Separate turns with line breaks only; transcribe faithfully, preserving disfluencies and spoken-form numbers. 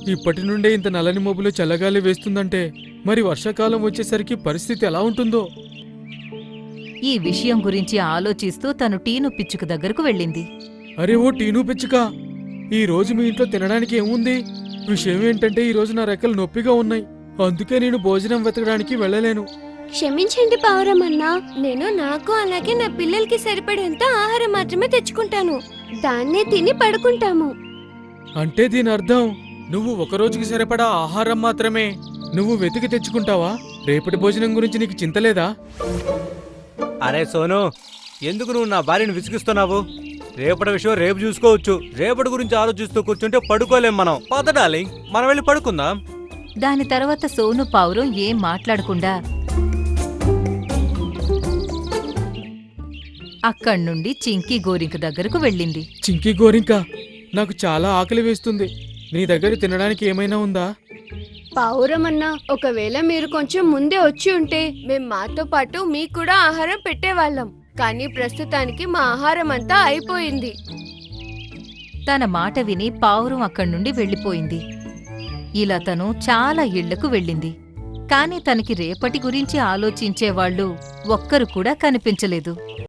ఇప్పటి నుండే ఇంత నల్లని మబ్బులు చల్లగాలి వేస్తుందంటే మరి వర్షాకాలం వచ్చేసరికి పరిస్థితి ఎలా ఉంటుందో.
ఈ విషయం గురించి ఆలోచిస్తూ తను టీను పిచ్చుక దగ్గరకు వెళ్ళింది.
అరే ఓ టీను పిచ్చుక, ఈ రోజు మీ ఇంట్లో తినడానికి ఏముంది? విషయం ఏంటంటే ఈ రోజు నా రెక్కలు నొప్పిగా ఉన్నాయి, అందుకే నేను భోజనం వెతకడానికి వెళ్ళలేను.
క్షమించండి పావురమన్నా, నేను నాకు అలాగే నా పిల్లలకి సరిపడేంత ఆహారం మాత్రమే తెచ్చుకుంటాను. దాన్నే తిని పడుకుంటాము.
అంటే దీని అర్థం నువ్వు ఒక రోజుకి సరిపడా ఆహారం మాత్రమే నువ్వు వెతికి తెచ్చుకుంటావా? రేపటి భోజనం గురించి నీకు చింతలేదా?
అరే సోను, ఎందుకు నువ్వు నా భార్యను విసిగిస్తున్నావు? రేపటి విషయం రేపు చూసుకోవచ్చు. రేపటి గురించి ఆలోచిస్తూ కూర్చుంటే పడుకోలేం మనం. పద డార్లింగ్, మనం వెళ్ళి పడుకుందాం.
దాని తర్వాత సోను పావురం ఏం మాట్లాడకుండా అక్కడ్నుండి చింకీ గోరింక దగ్గరకు వెళ్ళింది.
చింకీ గోరింక, నాకు చాలా ఆకలి వేస్తుంది. నీ దగ్గర తినడానికి ఏమైనా ఉందా?
పావురమన్నా, ఒకవేళ మీరు కొంచెం ముందే వచ్చి ఉంటే మేం మాతో పాటు మీకు కూడా ఆహారం పెట్టేవాళ్ళం. కానీ ప్రస్తుతానికి మా ఆహారం అంతా అయిపోయింది.
తన మాట విని పావురం అక్కడ్నుండి వెళ్ళిపోయింది. ఇలా తను చాలా ఇళ్లకు వెళ్ళింది. కాని తనకి రేపటి గురించి ఆలోచించేవాళ్లు ఒక్కరు కూడా కనిపించలేదు.